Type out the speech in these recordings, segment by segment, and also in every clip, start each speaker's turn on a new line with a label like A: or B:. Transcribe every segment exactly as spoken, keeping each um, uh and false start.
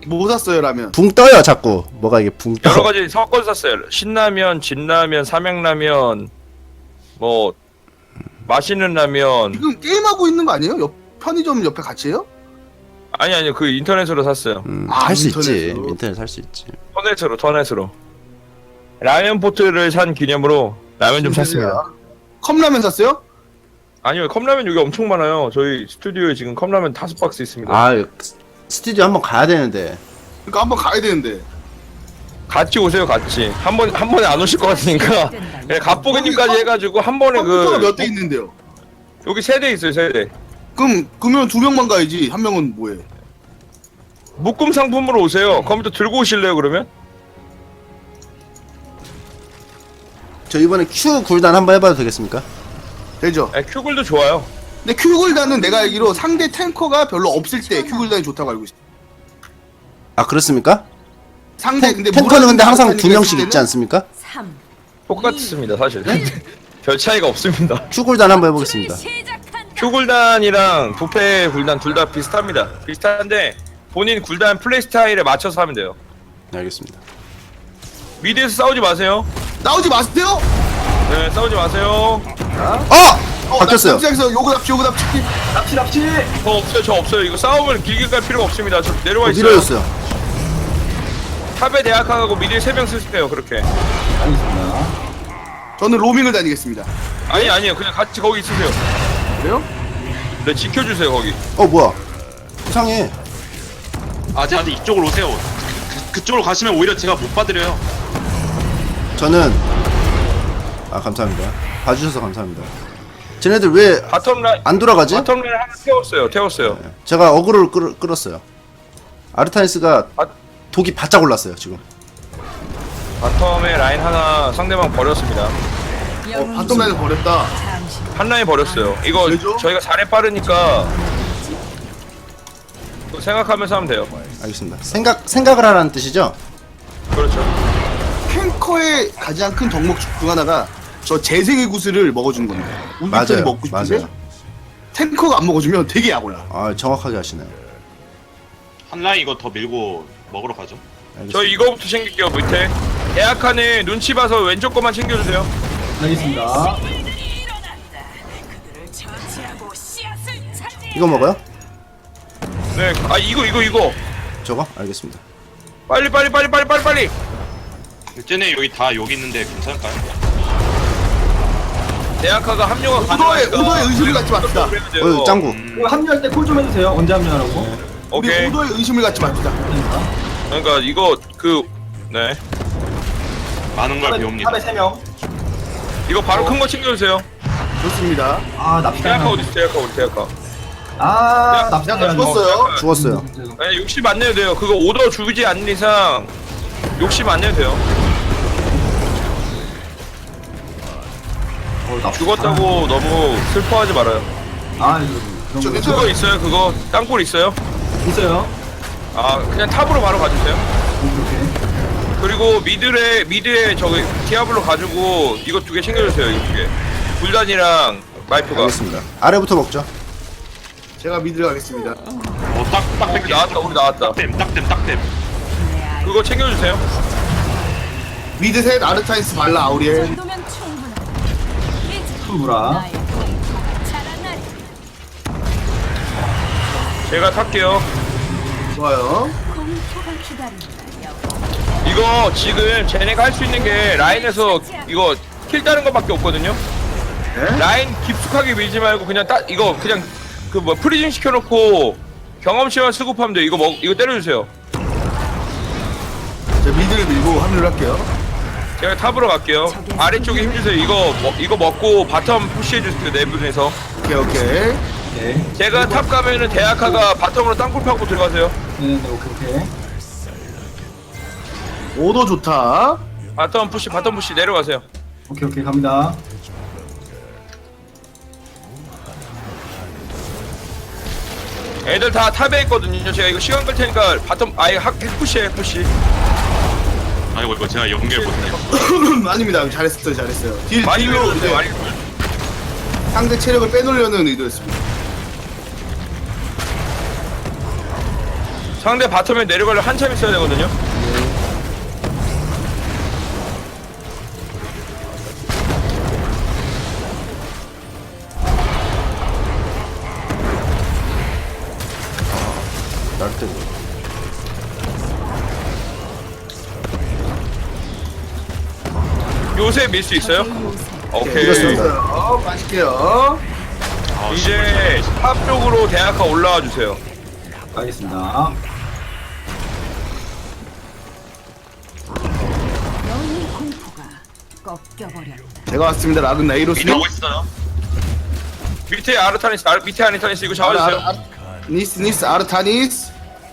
A: 뭐 샀어요 라면?
B: 붕 떠요 자꾸. 뭐가 이게 붕 떠.
C: 여러 가지 섞어서 샀어요. 신라면, 진라면, 삼양라면, 뭐 맛있는 라면.
A: 지금 게임하고 있는 거 아니에요? 옆 편의점 옆에 같이 해요?
C: 아니 아니요, 그 인터넷으로 샀어요.
B: 음,
A: 아,
B: 할 수 있지.
A: 인터넷으로.
B: 인터넷 살 수 있지.
C: 터넷으로 터넷으로. 라면 포트를 산 기념으로 라면 좀 샀습니다.
A: 컵라면 샀어요?
C: 아니요, 컵라면 여기 엄청 많아요. 저희 스튜디오에 지금 컵라면 다섯 박스 있습니다.
B: 아 스튜디오 한번 가야 되는데.
A: 그러니까 한번 가야 되는데.
C: 같이 오세요, 같이. 한 번 한 번에 안 오실 것 같으니까. 네, 갑보기님까지
A: 거기
C: 해가지고 한 번에
A: 컴퓨터가
C: 그
A: 몇 대 있는데요?
C: 여기 세 대 있어요, 세 대.
A: 그럼 그러면 두 명만 가야지. 한 명은 뭐해?
C: 묶음 상품으로 오세요. 컴퓨터 들고 오실래요, 그러면?
B: 저 이번에 Q 굴단 한번 해봐도 되겠습니까?
A: 되죠?
C: 네, 큐글도 좋아요.
A: 근데 큐굴단은 내가 알기로 상대 탱커가 별로 없을 때 큐굴단이 좋다고 알고 있어.
B: 아 그렇습니까?
A: 상대
B: 탱,
A: 근데
B: 탱커는 근데 항상
A: 무라딘
B: 두 명씩
A: 있을
B: 있지
A: 때는
B: 않습니까?
D: 삼.
C: 똑같습니다, 사실. 별 차이가 없습니다.
B: Q 굴단 한번 해보겠습니다.
C: 큐굴단이랑 부패 굴단 둘 다 비슷합니다. 비슷한데 본인 굴단 플레이 스타일에 맞춰서 하면 돼요.
B: 네, 알겠습니다.
C: 미드에서 싸우지 마세요.
A: 나오지 마세요.
C: 네, 싸우지 마세요.
B: 어! 바뀌었어요.
A: 납치에서 요거 납치 요거 납치.
E: 납치 납치.
C: 저 없어요, 저 없어요. 이거 싸움을 길게 갈 필요가 없습니다. 저 내려와
B: 어,
C: 있어요.
B: 밀어줬어요.
C: 탑에 대학하고 미드에 세 명 쓰세요, 그렇게.
E: 알겠습니다.
A: 저는 로밍을 다니겠습니다.
C: 아니 아니요, 그냥 같이 거기 있으세요.
A: 그래요?
C: 네, 지켜주세요 거기.
B: 어 뭐야? 이상해.
F: 아, 저한테 이쪽으로 오세요. 그, 그쪽으로 가시면 오히려 제가 못 받으려요.
B: 저는 아 감사합니다. 봐주셔서 감사합니다. 쟤네들 왜 안
C: 바텀 라인
B: 돌아가지?
C: 바텀 라인 하나 태웠어요, 태웠어요.
B: 제가 어그로를 끌, 끌었어요. 아르타니스가
C: 아.
B: 독이 바짝 올랐어요 지금.
C: 바텀에 라인 하나 상대방 버렸습니다.
A: 어, 바텀라인을 버렸다.
C: 한 라인 버렸어요. 이거
A: 왜죠?
C: 저희가 잘해 빠르니까 그거 생각하면서 하면 돼요.
B: 알겠습니다. 생각 생각을 하라는 뜻이죠?
C: 그렇죠.
A: 탱커의 가장 큰 덕목 중 하나가 저 재생의 구슬을 먹어주는 겁니다. 우리
B: 맞아요.
A: 편이 먹고 싶은데
B: 맞아요.
A: 탱커가 안 먹어주면 되게 약올라.
B: 아 정확하게 하시네요.
F: 한 라인 이거 더 밀고 먹으러 가죠.
B: 알겠습니다.
C: 저 이거부터 챙길게요, 밑에. 대학하는 눈치 봐서 왼쪽 거만 챙겨주세요.
E: 알겠습니다.
B: 이거 먹어요?
C: 네, 아 이거 이거 이거.
B: 저거? 알겠습니다.
C: 빨리 빨리 빨리 빨리 빨리 빨리.
F: 쟤네 여기 다 여기 있는데 괜찮을까요?
C: 대학하가 합류가
A: 오더에
C: 가능하니까.
A: 오더에 의심을 갖지 맙시다.
B: 어 짱구.
F: 음,
E: 이거 합류할 때 콜 좀 해주세요. 언제 합류하라고?
A: 우리
C: 오케이.
A: 오더에 의심을 갖지 맙시다.
C: 그러니까 이거 그 네.
F: 많은 걸 배웁니다.
E: 탑에 세 명.
C: 이거 바로 큰 거 챙겨주세요.
A: 좋습니다.
E: 아 납치.
C: 대학하 어디 있어? 대학하 우리 대학하.
E: 아 납치.
A: 약간 죽었어요.
B: 죽었어요.
C: 아니 욕심 안 내도 돼요. 그거 오더 주지 않는 이상 욕심 안 내도 돼요. 죽었다고 너무 슬퍼하지 말아요.
E: 아 이거
A: 저
E: 그런 거
A: 괜찮아요.
C: 그거 있어요. 그거 땅굴 있어요.
E: 있어요.
C: 아 그냥 탑으로 바로 가주세요.
E: 오케이.
C: 그리고 미드에 미드에 저기 디아블로 가지고 이거 두 개 챙겨주세요. 이거 두 개. 불단이랑 마이프가.
B: 알겠습니다. 아래부터 먹죠.
A: 제가 미드를 가겠습니다.
F: 어, 딱, 딱
C: 우리
F: 뺄게.
C: 나왔다. 우리 나왔다.
F: 딱댐, 딱댐, 딱댐.
C: 그거 챙겨주세요.
A: 미드 셋 아르타니스 발라 아우리엘.
E: 풀브라.
C: 제가 탈게요.
A: 좋아요.
C: 이거 지금 쟤네가 할 수 있는 게 라인에서 이거 킬 따는 것밖에 없거든요.
A: 네?
C: 라인 깊숙하게 밀지 말고 그냥 따 이거 그냥 그 뭐 프리징 시켜놓고 경험치만 수급하면 돼. 이거 먹 이거 때려주세요.
A: 제가 미드를 밀고 합류를 할게요.
C: 제가 탑으로 갈게요. 아래쪽에 힘주세요. 이거 먹 이거 먹고 바텀 푸시해주세요. 네 분에서.
A: 오케이 오케이.
E: 오케이.
C: 제가 탑 가면은 대학하가 바텀으로 땅굴 파고 들어가세요.
E: 네네 오케이 오케이.
A: 오더 좋다.
C: 바텀 푸시 바텀 푸시 내려가세요.
E: 오케이 오케이 갑니다.
C: 애들 다 탑에 있거든요. 제가 이거 시간 끌 테니까 바텀 아예 학 푸시해 푸시.
F: 아이고, 이거 제가 연결 못해요.
A: 아닙니다. 잘했어요 잘했어요. 딜
C: 많이
A: 딜로
C: 밀어주세요.
A: 이제
C: 많이 밀어주세요.
A: 상대 체력을 빼놓으려는 의도였습니다.
C: 상대 바텀에 내려가려 한참 있어야 되거든요.
B: 날때
C: 요새 밀 수 있어요? 오케이.
B: 이겼습니다.
A: 어, 맛있게요.
F: 아,
C: 이제 탑 쪽으로 대학가 올라와 주세요.
E: 알겠습니다.
D: 너의 공포가 꺾여버렸다.
A: 제가 왔습니다. 라군
F: 미드
A: 나이로스님.
F: 하고 있어요.
C: 밑에 아르타니스, 아, 밑에 아르타니스 이거 잡아주세요.
A: 아, 아, 니스 니스 아르타니스.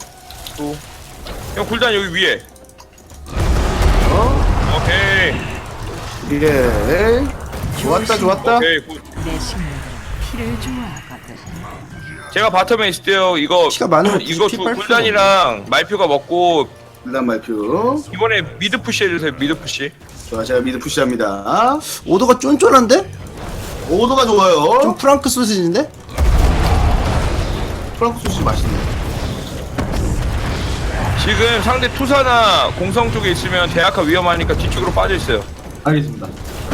C: 형 굴단 여기 위에.
A: 어?
C: 오케이.
A: 예. 좋았다 좋았다.
C: 오케이. 굿.
D: 내 식물은 피를 좋아하거든.
C: 제가 바텀에 있을 때요. 이거
B: 피가 많으면
C: 이거
B: 피
C: 두
B: 빨
C: 굴단이랑 말표가 먹고
A: 일단 말표.
C: 이번에 미드 푸시 해주세요. 미드 푸시.
A: 좋아, 제가 미드 푸시합니다.
B: 오도가 쫀쫀한데?
A: 오도가 좋아요.
B: 좀 프랑크 소시지인데?
A: 프랑크 소스 맛있네.
C: 지금 상대 투사나 공성 쪽에 있으면 대학가 위험하니까 뒤쪽으로 빠져 있어요.
E: 알겠습니다.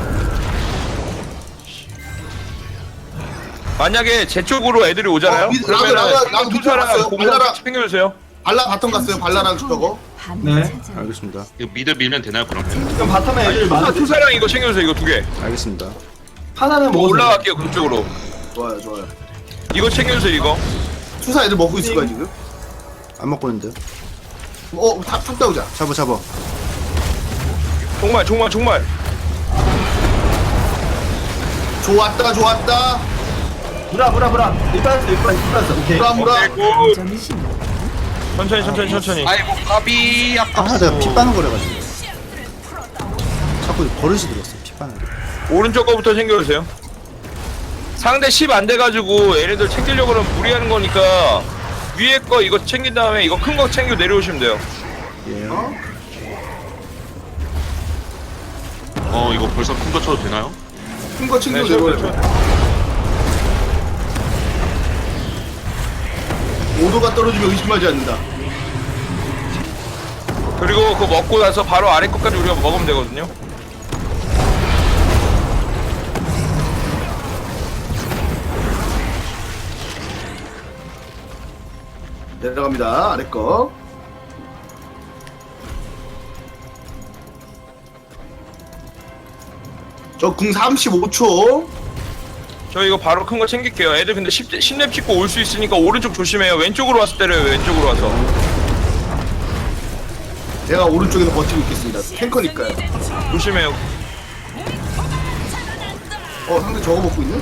C: 만약에 제 쪽으로 애들이 오잖아요.
A: 어, 미-
C: 그러면
A: 라그, 라그, 라그 밑에
C: 투사랑
A: 갔어요.
C: 공성
A: 발라라.
C: 챙겨주세요.
A: 발라 바텀 갔어요. 발라랑 저거.
E: 네.
D: 찾아.
B: 알겠습니다.
F: 이거 미드 밀면 되나요 그러면?
E: 그럼 바텀에 애들
C: 투사,
E: 많은데
C: 투사랑 이거 챙겨주세요. 이거 두 개.
B: 알겠습니다.
E: 하나는
C: 뭐
E: 먹었어요.
C: 올라갈게요 그쪽으로.
A: 좋아요, 좋아요.
C: 이거 챙겨주세요. 이거.
A: 투사 애들 먹고 있을 거야 지금.
B: 안 먹고 있는데.
A: 어, 탑, 탑 따오자.
B: 잡아 잡아.
C: 정말 정말 정말.
A: 좋았다, 좋았다.
E: 브라 브라 브라. 일단 일단 일단 오케이.
A: 무라 무라.
C: 오케이 굿.
D: 점심
C: 천천히 천천히 천천히.
F: 아이고 까비
B: 아
F: 아깝소.
B: 내가 피 빠는 거래가지고. 자꾸 버릇이 들었어 피 빠는 게.
C: 오른쪽 거부터 챙겨주세요. 상대 십 안 돼가지고 얘네들 챙기려고 그러면 무리하는 거니까 위에 거 이거 챙긴 다음에 이거 큰 거 챙겨 내려오시면 돼요.
B: 예.
F: 어 이거 벌써 큰 거 쳐도 되나요?
A: 큰 거 챙겨
C: 네,
A: 내려와요.
C: 저-
A: 오도가 떨어지면 의심하지 않는다.
C: 그리고 그거 먹고 나서 바로 아래 거까지 우리가 먹으면 되거든요.
A: 내려갑니다. 아래 거. 저 궁 삼십오 초.
C: 저 이거 바로 큰 거 챙길게요. 애들 근데 십, 십 렙 찍고 올 수 있으니까 오른쪽 조심해요. 왼쪽으로 와서 때려요. 왼쪽으로 와서.
A: 제가 오른쪽에서 버티고 있겠습니다. 탱커니까요.
C: 조심해요.
A: 어, 상대 저거 먹고 있네?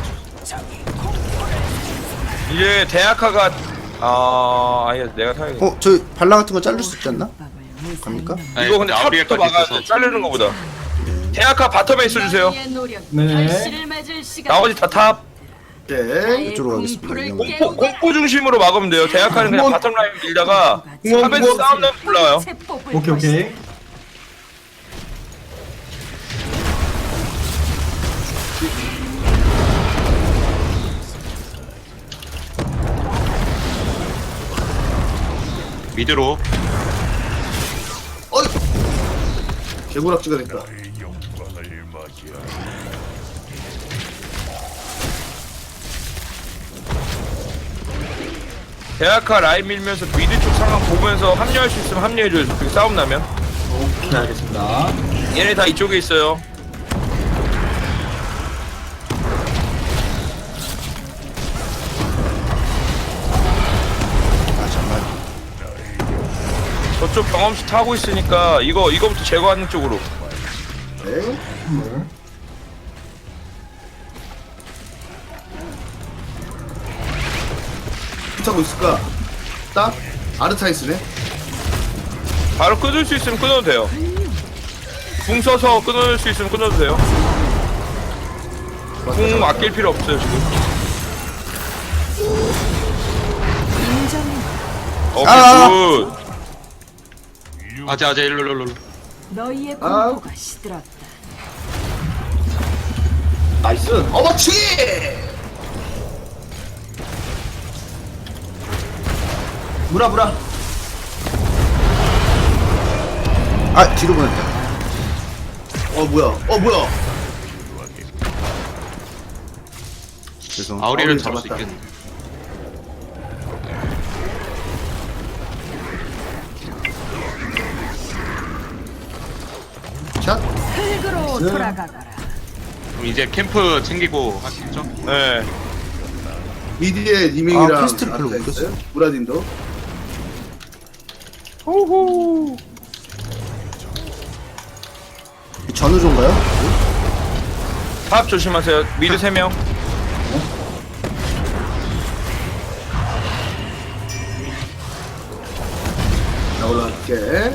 C: 이제 대학화가 아 아예 내가 사야겠다.
B: 어, 저 발라 같은 거 자를 수 있지 않나? 갑니까?
F: 아니,
C: 이거 근데 탑부터
F: 아우리엘까지
C: 막아야
F: 있어서.
C: 돼. 자르는 거보다. 대학화 바텀에 있어주세요.
E: 네.
C: 나머지 다 탑.
A: 네.
B: 이쪽으로 가겠습니다. 이거.
C: 공포, 공포 중심으로 막으면 돼요. 대학화는 그냥 바텀 라인 밀다가
A: 공원,
C: 탑에서
A: 공원.
C: 싸움 나면 올라와요.
E: 오케이 오케이.
F: 미드로.
A: 어이! 개구락지가 됐다.
C: 대학화 라인 밀면서 미드 쪽 상황 보면서 합류할 수 있으면 합류해줘요. 그렇게 싸움 나면.
E: 오케이 알겠습니다.
C: 얘네 다 이쪽에 있어요.
B: 아 정말.
C: 저쪽 경험치 타고 있으니까 이거 이거부터 제거하는 쪽으로.
A: 네.
E: 선물.
A: 타고 있을까? 딱? 아르타이스네?
C: 바로 끊을 수 있으면 끊어도 돼요. 궁 써서 끊을 수 있으면 끊어도 돼요. 궁 아낄 필요 없어요 지금. 오케이
B: 아!
C: 굿.
F: 아재 아재 일로 일로 일로.
D: 너희의
A: 아.
D: 공포가 시들었다.
A: 나이스! 어머치기!
E: 브라 브라.
B: 아 뒤로 보냈다.
A: 어 뭐야? 어 뭐야?
B: 죄송.
F: 아우리를
A: 아우리를
F: 잡을 수
A: 잡았다.
F: 있겠네.
A: 샷.
D: 흙으로 돌아가거라.
F: 그럼 이제 캠프 챙기고 하시죠.
C: 네.
A: 미디에
B: 아,
A: 리밍이랑
B: 퀘스트를 별로
A: 아까
B: 못
A: 있어요? 무라딘도.
B: 전우조인가요?
C: 탑 조심하세요. 미드 세 명.
A: 나 올라갈게.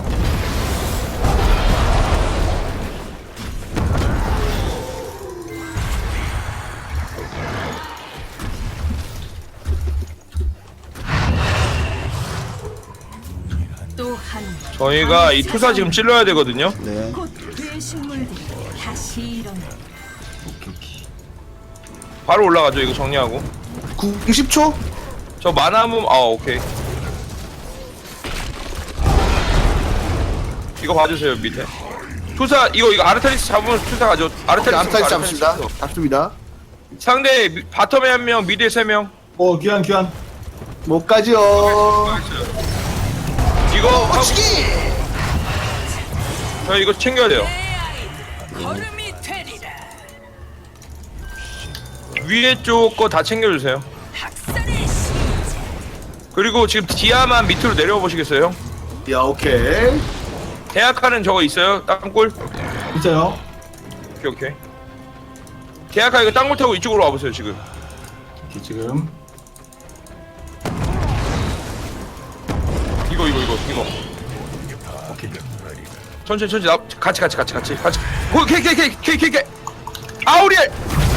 D: 또한
C: 저희가 이 투사 지금 찔러야 되거든요.
B: 네.
D: 곧 괴식물들이 다시 일어나.
C: 바로 올라가죠. 이거 정리하고.
A: 구십 초?
C: 저 만화문 아 오케이. 이거 봐주세요 밑에. 투사 이거 이거 아르타리스 잡으면 투사 가죠. 아르타리스
A: 암탈 잡습니다. 잡습니다.
C: 상대 미- 바텀에 한 명, 미드에 세 명.
E: 어 귀한 귀한.
A: 못 가지요.
C: 이거 하고
A: 확실히.
C: 저 이거 챙겨야 돼요. 위에 쪽 거 다 챙겨주세요. 그리고 지금 디아만 밑으로 내려와 보시겠어요?
A: 야 오케이.
C: 대학하는 저거 있어요? 땅굴?
E: 진짜요?
C: 오케이 오케이. 대학하 이거 땅굴 타고 이쪽으로 와보세요 지금.
E: 오케이, 지금.
C: 이거 이거 이거 이거.
E: 오케이.
C: 천천히 천천히 나 같이 같이 같이 같이 같이. 오 케이 케이 케이 케이 케이 케이. 아우리엘.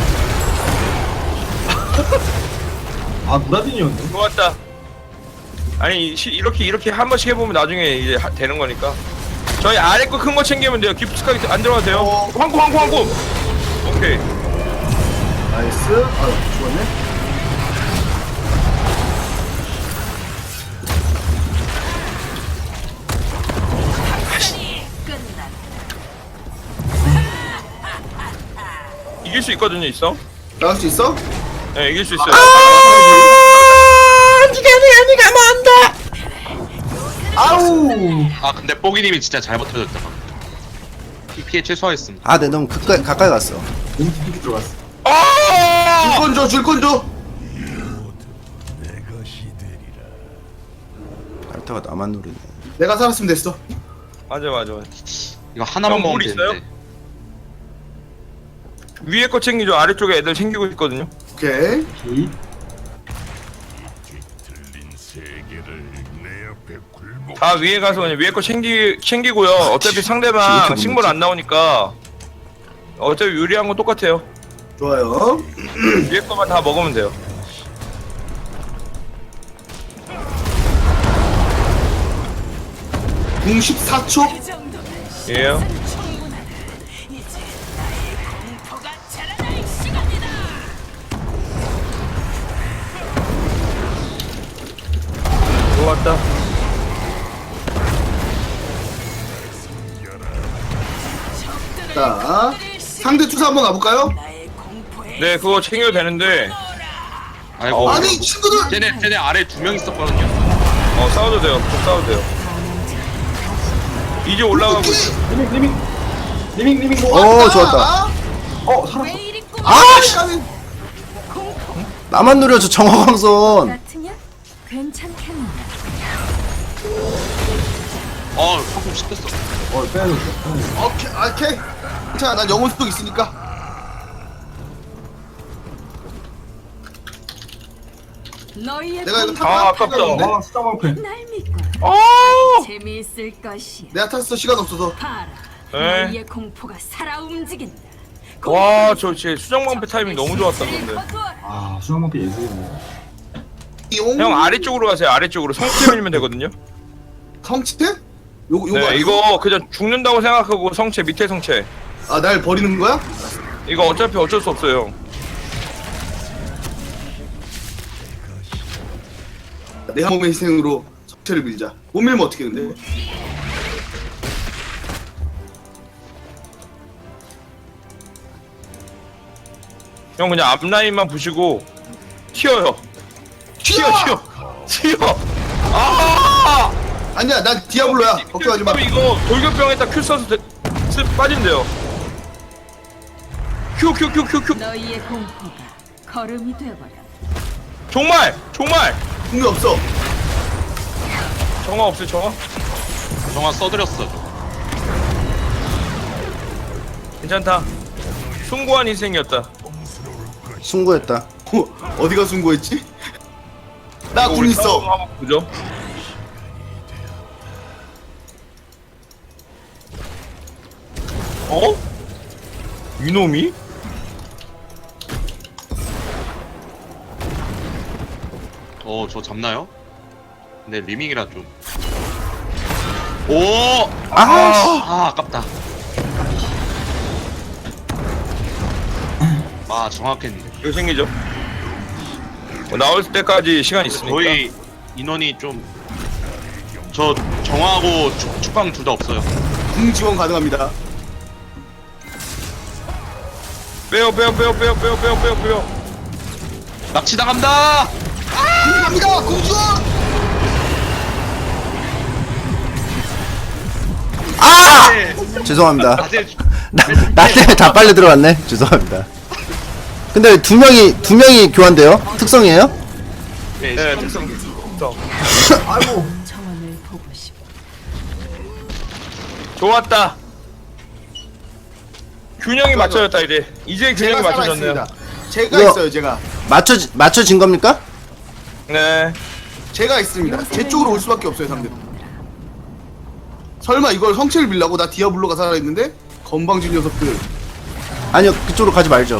E: 아 무라딘이었네.
C: 좋았다. 아니 시, 이렇게 이렇게 한 번씩 해보면 나중에 이제 하, 되는 거니까. 저희 아래 거 큰 거 챙기면 돼요. 기프트카드 안 들어가도 돼요.
A: 어.
C: 황금 황금 황금. 오케이.
A: 나이스. 아 죽었네.
C: 이길 수 있거든요, 있어.
A: 나갈 수 있어?
C: 네, 이길 수 있어요.
E: 아우.
F: 아 근데 뽀기님이 진짜 잘 버텨줬다. 피- 피해 최소화했습니다.
B: 아, 네 너무 가까이 가까이 갔어.
E: 너무 깊게 들어갔어.
C: 아!
A: 줄건 줘, 줄건 줘.
B: 알타가 나만 노리네.
A: 내가 살았으면 됐어.
C: 맞아, 맞아, 맞아.
F: 이거 하나만
C: 형,
F: 먹으면
C: 물 있어요?
F: 되는데.
C: 위에 거 챙기죠. 아래쪽에 애들 챙기고 있거든요.
A: 오케이.
E: 오케이.
C: 다 위에 가서 그냥 위에 거 챙기 챙기고요. 어차피 상대방
B: 이렇게
C: 식물 안 나오니까 어차피 유리한 건 똑같아요.
A: 좋아요.
C: 위에 거만 다 먹으면 돼요.
A: 공 십사 초.
C: 예요. 좋았다.
A: 자, 상대 투사 한번 가볼까요?
C: 네, 그거 챙겨도 되는데
F: 아이고.
A: 아니 친구들.
F: 쟤네 쟤네 아래 두 명 있었거든요.
C: 어 싸워도 돼요. 좀 싸워도 돼요. 이제 올라가고 있어.
E: 리밍 리밍 리밍 리밍 뭐?
B: 오, 좋았다.
A: 아,
E: 어 살았어.
B: 아, 씨!
A: 까비.
B: 나만 노려 저 정화광선.
D: 같으냐? 괜찮겠네.
F: 어 방금 시켰어.
E: 어 빼야겠어. 빼야겠어.
A: 오케이, 오케이. 자, 난 영혼 수도 있으니까.
D: 너희의
A: 내가 이거
D: 공포가
A: 타.
C: 아, 아깝다.
E: 아 수정 방패.
D: 날 믿고
C: 어!
D: 재미있을 것이야.
A: 내가 탔어 시간 없어서.
D: 봐라.
C: 네.
D: 너희의 공포가 살아 움직인다.
C: 와, 저 제 수정방패 타이밍 너무 좋았다 근데.
E: 아 수정 방패 예술이네.
A: 용.
C: 형 아래쪽으로 가세요. 아래쪽으로 성체 밀면 되거든요.
A: 성체? 요거 요거.
C: 네,
A: 아니야?
C: 이거 그냥 죽는다고 생각하고 성체 밑에 성체.
A: 아, 날 버리는 거야?
C: 이거 어차피 어쩔 수 없어요.
A: 내 한 몸의 희생으로 성체를 밀자. 못 밀면 어떻게 근데?
C: 형 그냥 앞라인만 부시고 튀어요. 튀어 튀어 튀어. 아!
A: 아니야, 난 디아블로야. 걱정하지 마.
C: 이거 돌격병에다 큐 써서 되, 쓰, 빠진대요. 큐 큐 큐 큐 큐.
D: 너희의 공포가 걸음이 되어버려.
C: 정말 정말
A: 궁이 없어.
C: 정화 없어요 정화?
F: 정화 써드렸어.
C: 괜찮다. 숭고한 인생이었다.
B: 승부했다.
A: 어, 어디가 순고했지? 나 궁 있어.
C: 한번 보죠. 어? 이놈이?
F: 어, 저 잡나요? 근데 리밍이라 좀. 오!
B: 아,
F: 아, 아깝다. 아, 정확했는데.
C: 이거 생기죠? 뭐 나올 때까지 시간 있으니까.
F: 저희 인원이 좀. 저 정화하고 축, 축방 둘 다 없어요.
A: 궁 지원 가능합니다.
C: 빼요 빼요 빼요 빼요 빼요 빼요 빼요 빼요.
F: 납치당한다!
A: 궁 갑니다. 궁 지원.
B: 아!
F: 네.
B: 죄송합니다.
F: 낮에
B: 나, 나 때문에 다 빨려 들어갔네. 죄송합니다. 근데 두 명이 두 명이 교환돼요? 특성이에요?
F: 네,
C: 네
F: 시간-
C: 특성 특성.
E: 아이고.
D: 정원을 보고 싶어.
C: 좋았다. 균형이 맞춰졌다 이제. 이제 균형이
A: 제가
C: 맞춰졌네요.
A: 살아있습니다. 제가
B: 이거-
A: 있어요, 제가.
B: 맞춰 맞춰진 겁니까?
C: 네.
A: 제가 있습니다. 제 쪽으로 올 수밖에 없어요, 상대. 설마 이걸 성체를 빌라고 나 디아블로가 살아있는데? 건방진 녀석들.
B: 아니요, 그쪽으로 가지 말죠.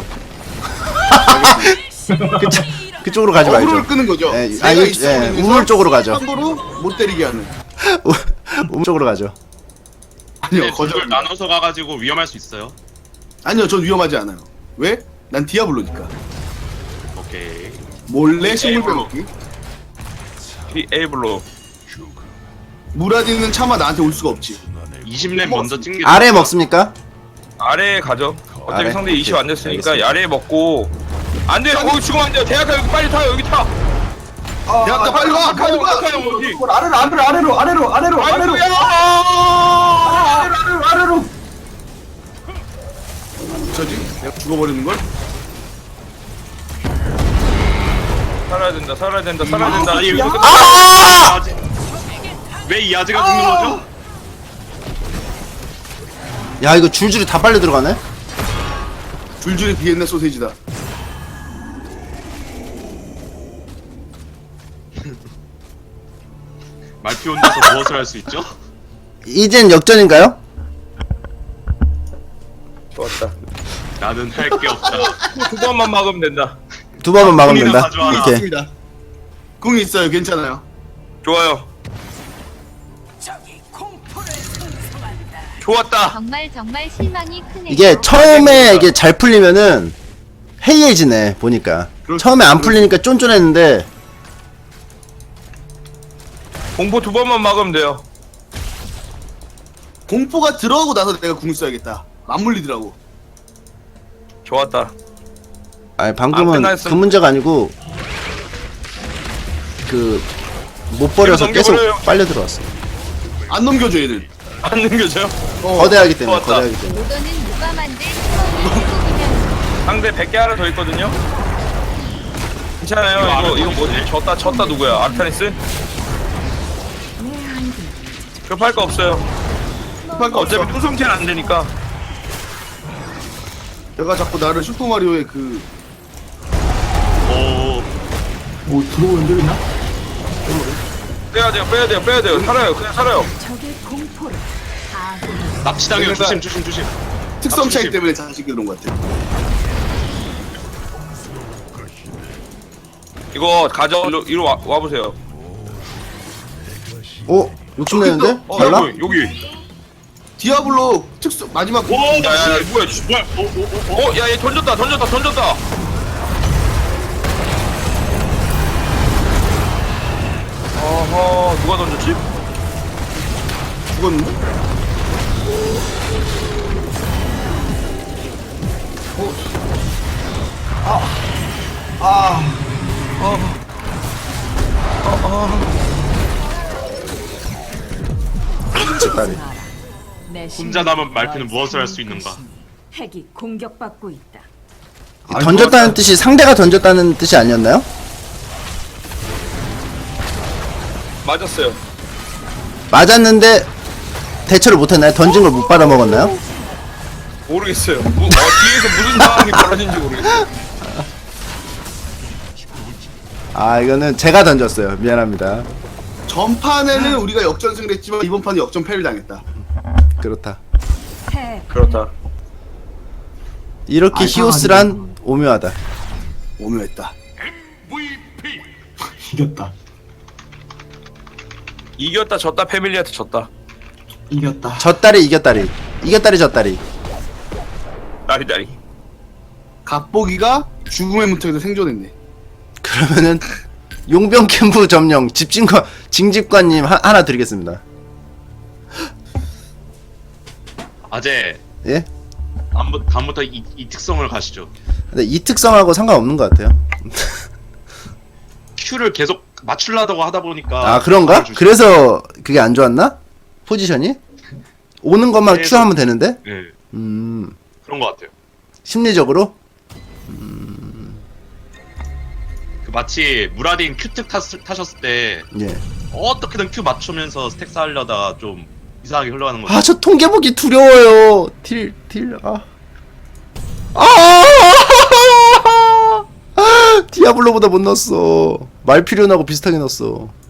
B: 그쪽 그쪽으로 가지 말죠.
A: 어그로를 끄는 거죠.
B: 예,
A: 내가
B: 아니,
A: 있어
B: 예,
A: 보이면서
B: 우물 쪽으로 가죠.
A: 함부로 못 때리게 하는.
B: 우물 쪽으로 가죠.
A: 아니요,
F: 네,
A: 거절.
F: 둘 나눠서 가가지고 위험할 수 있어요.
A: 아니요, 전 위험하지 않아요. 왜? 난 디아블로니까.
F: 오케이.
A: 몰래 식물 빼먹기.
C: 디에이블로.
A: 무라디는 차마 나한테 올 수가 없지.
F: 이십 렙 먼저 찍는 게
B: 아래 먹습니까?
C: 아래에 가죠. 어차피
B: 아래?
C: 상대 이십 안 됐으니까
B: 알겠습니다.
C: 아래에 먹고. 안 돼요. 거기 죽으면 안 돼요. 대학가 여기 빨리 타요. 여기 타.
E: 아,
A: 대학가 빨리 와, 빨리 와.
C: 대학가 여기.
E: 아래로 아래로 아래로 아래로 아래로 아래로
C: 아이고야.
E: 아래로 아래로 아래로.
A: 저지? 내가 죽어버리는 걸?
C: 살아야 된다. 살아야 된다. 살아야 된다.
F: 아니,
C: 이거
F: 여기서
B: 아!
F: 왜 이 아재가 죽는 거죠?
B: 야, 이거 줄줄이 다 빨려 들어가네.
A: 줄줄이 비엔나 소세지다.
F: 말피 혼자서 무엇을 할 수 있죠?
B: 이젠 역전인가요?
C: 좋았다.
F: 나는 할 게 없다.
C: 두 번만 막으면 된다.
B: 두 번만 막으면
F: 군이나
B: 된다.
F: 가져와라.
B: 오케이.
A: 있습니다. 궁이 있어요. 괜찮아요.
C: 좋아요. 좋았다.
G: 정말 정말 실망이 크네요.
B: 이게 처음에 이게 잘 풀리면은 해이해지네 보니까.
A: 그럴-
B: 처음에 안
A: 그럴-
B: 풀리니까 쫀쫀했는데
C: 공포 두 번만 막으면 돼요.
A: 공포가 들어가고 나서 내가 궁 써야겠다. 맞물리더라고.
C: 좋았다.
B: 아니
C: 아,
B: 방금은
C: 끝났어.
B: 그 문제가 아니고 그 못 버려서
C: 이거
B: 계속
C: 넘겨버려요.
B: 빨려 들어왔어.
A: 안 넘겨줘 얘들.
C: 안 넘겨져요?
A: 어.
B: 거대하기 때문에
C: 좋았다.
B: 거대하기 때문에.
G: 모더는 누가 만든 처음이면
C: 상대 백 개 하나 더 있거든요. 괜찮아요. 이거 이거 뭐지? 졌다 졌다 누구야? 아르타니스? 급할 거 없어요.
A: 급할 거 없어.
C: 어차피 투성체는 안 되니까.
A: 내가 자꾸 나를 슈퍼마리오의 그
F: 오,
E: 뭐 들어오는 데 있나?
C: 빼야 돼요. 빼야 돼요. 빼야 돼요. 살아요. 그냥 살아요.
D: 적의 공포를 아군
F: 납치당해요.
A: 그러니까-
F: 조심, 조심, 조심.
A: 특성 차이
F: 조심.
A: 때문에 자식이 그런 것 같아.
C: 이거 가져. 이리로, 이리로 와, 와보세요.
B: 어? 욕심내는데?
C: 어,
B: 달라?
C: 여기, 여기.
A: 디아블로 특성 마지막 궁.
F: 오,
C: 야, 야, 야,
F: 납치!
C: 뭐야?
F: 뭐야? 오, 오, 오, 오.
C: 어, 야, 얘 던졌다, 던졌다, 던졌다. 어허, 누가 던졌지?
A: 죽었는데?
E: 아,
B: ጭ다리.
D: 내
F: 혼자 남은 말피는 무엇을 할 수 있는가?
D: 핵이 공격받고 있다.
B: 던졌다는 뜻이 상대가 던졌다는 뜻이 아니었나요?
C: 맞았어요.
B: 맞았는데 대처를 못했나요? 던진 걸 못 받아 먹었나요?
C: 모르겠어요. 뭐, 어, 뒤에서 무슨 상황이 벌어진지 모르겠어요.
B: 아 이거는 제가 던졌어요. 미안합니다.
A: 전판에는 우리가 역전승을 했지만 이번 판은 역전패를 당했다.
B: 그렇다.
D: 새
C: 그렇다.
B: 이렇게
A: 아,
B: 히오스란 오묘하다.
A: 오묘했다.
E: 이겼다.
C: 이겼다 졌다 패밀리한테 졌다.
E: 이겼다.
B: 졌다리 이겼다리. 이겼다리 졌다리.
C: 나리다리.
A: 갑보기가 죽음의 문턱에서 생존했네.
B: 그러면은 용병 캠프 점령 집진관 징집관님 하, 하나 드리겠습니다.
F: 아재
B: 예?
F: 다음부, 다음부터 이, 이 특성을 가시죠.
B: 근데 이 특성하고 상관없는 것 같아요.
F: Q를 계속 맞추려다고 하다 보니까
B: 아 그런가?
F: 알아주시-
B: 그래서 그게 안 좋았나? 포지션이? 오는 것만
F: 그래서-
B: Q 하면 되는데?
F: 네,
B: 음
F: 그런 것 같아요.
B: 심리적으로?
F: 그 마치 무라딘 Q특 탔, 타셨을 때
B: 예.
F: 어떻게든 Q 맞추면서 스택 쌓으려다가 좀 이상하게 흘러가는 거죠.
B: 아 저 통계 보기 두려워요. 딜 딜 아. 아! 디아블로보다 못 넣었어. 말필요하고 비슷하게 넣었어.